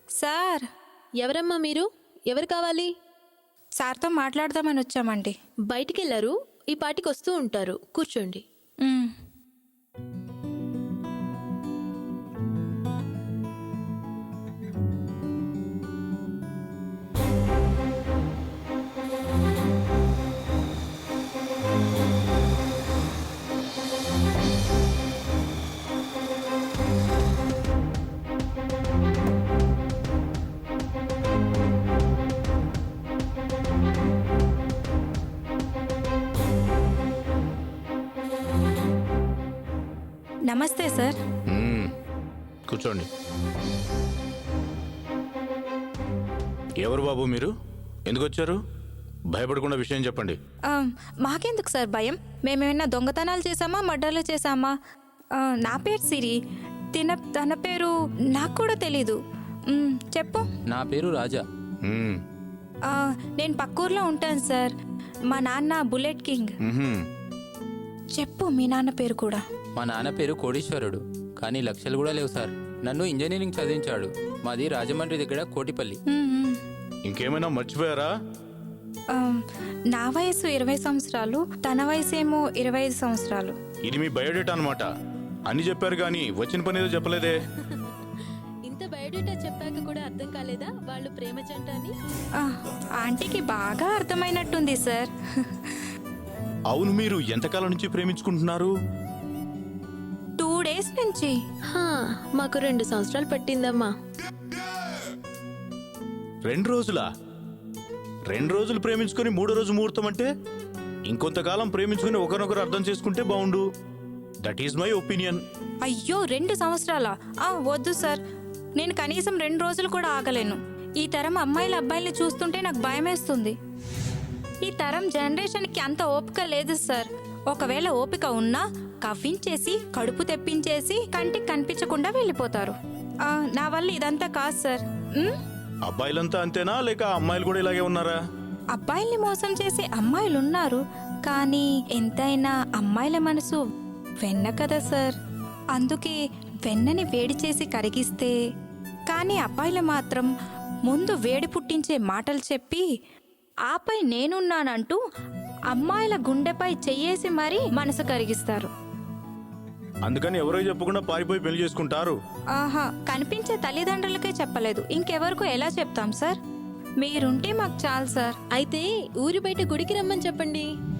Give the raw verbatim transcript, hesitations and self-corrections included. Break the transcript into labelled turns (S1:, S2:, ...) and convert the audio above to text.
S1: Sir,
S2: ఎవరమ్మా మీరు? ఎవరు కావాలి?
S1: సార్తో మాట్లాడదామని వచ్చామండి.
S2: బయటికెళ్లారు, ఈ పాటికి వస్తూ ఉంటారు. కూర్చోండి.
S1: మ్, నమస్తే సార్.
S3: మ్మ్. కూర్చోండి. ఎవరు బాబు మీరు? ఎందుకు వచ్చారు? భయపడకుండా విషయం చెప్పండి.
S1: ఆ, మాకెందుకు సార్ భయం? మేమేమైనా దొంగతనాలు చేసామా, మర్డర్లు చేసామా? ఆ, నా పేరు సిరి. తిన తన పేరు నాకు కూడా తెలీదు. మ్, చెప్పు.
S4: నా పేరు రాజా.
S3: మ్మ్.
S1: ఆ, నేను పక్కూర్లో ఉంటాను సార్. మా నాన్న బుల్లెట్ కింగ్.
S3: మ్హూ.
S1: చెప్పు మీ నాన్న పేరు కూడా.
S4: మా నాన్న పేరు కోడీశ్వరుడు, కానీ లక్షలు కూడా లేవు సార్. నన్ను ఇంజనీరింగ్ చదివించాడు. మాది రాజమండ్రి దగ్గర కోటిపల్లి.
S1: మ్, మ్.
S3: ఇంకేమైనా మర్చిపోయారా?
S1: ఆ, నా వయసు ఇరవై సంవత్సరాలు, తన వయసు ఏమో ఇరవై ఐదు సంవత్సరాలు.
S3: ఇది మీ బయోడేటా అనమాట. అన్ని చెప్పారు కానీ వచ్చిన పని ఏదో చెప్పలేదే.
S2: ఇంత బయోడేటా చెప్పాక కూడా అర్థం కాలేదా వాళ్ళు ప్రేమ జంట అని?
S1: ఆ, ఆంటీకి బాగా అర్థమైనట్టుంది సార్.
S3: అవును, మీరు ఎంతకాలం నుంచి ప్రేమించుకుంటున్నారు?
S1: టూ డేస్ నుంచి.
S2: హా, మాకు రెండు సంవత్సరాలు పట్టిందమ్మా.
S3: రెండు రోజులా? రెండు రోజులు ప్రేమించుకొని మూడో రోజు ముహూర్తం అంటే ఇంకొంతకాలం ప్రేమించుకుని ఒకరినొకరు అర్థం చేసుకుంటే బాగుండు. That is my opinion.
S1: అయ్యో, రెండు సంవత్సరాలా? ఆ, వద్దు సార్. నేను కనీసం రెండు రోజులు కూడా ఆగలేను. ఈ తరం అమ్మాయిల అబ్బాయిల్ని చూస్తుంటే నాకు భయమేస్తుంది. ఈ తరం జనరేషన్కి అంత ఓపిక లేదు సార్. ఒకవేళ ఓపిక ఉన్నా కవ్వించేసి కడుపు తెప్పించేసి కంటికి కనిపించకుండా వెళ్ళిపోతారు. ఆ, నా వల్ల ఇదంతా కాదు సార్. ఉమ్?
S3: అబ్బాయిలంతా అంతేనా, లేక అమ్మాయిలు కూడా ఇలాగే ఉన్నారా?
S1: అబ్బాయిల్ని మోసం చేసే అమ్మాయిలు ఉన్నారు, కానీ ఎంతైనా అమ్మాయిల మనసు వెన్న కదా సార్. అందుకే వెన్నని వేడి చేసి కరిగిస్తే, కానీ అబ్బాయిలు మాత్రం ముందు వేడి పుట్టించే మాటలు చెప్పి ఆపై నేనున్నానంటూ అమ్మాయిల గుండెపై చెయ్యేసి మరీ మనసు కరిగిస్తారు.
S3: అందుకని ఎవరో చెప్పకుండా పారిపోయి పెళ్లి చేసుకుంటారు.
S1: ఆహా, కనిపించే తల్లిదండ్రులకే చెప్పలేదు, ఇంకెవరికో ఎలా చెప్తాం సార్? మీరుంటే మాకు చాలు సార్.
S2: అయితే ఊరి బయట గుడికి రమ్మని చెప్పండి.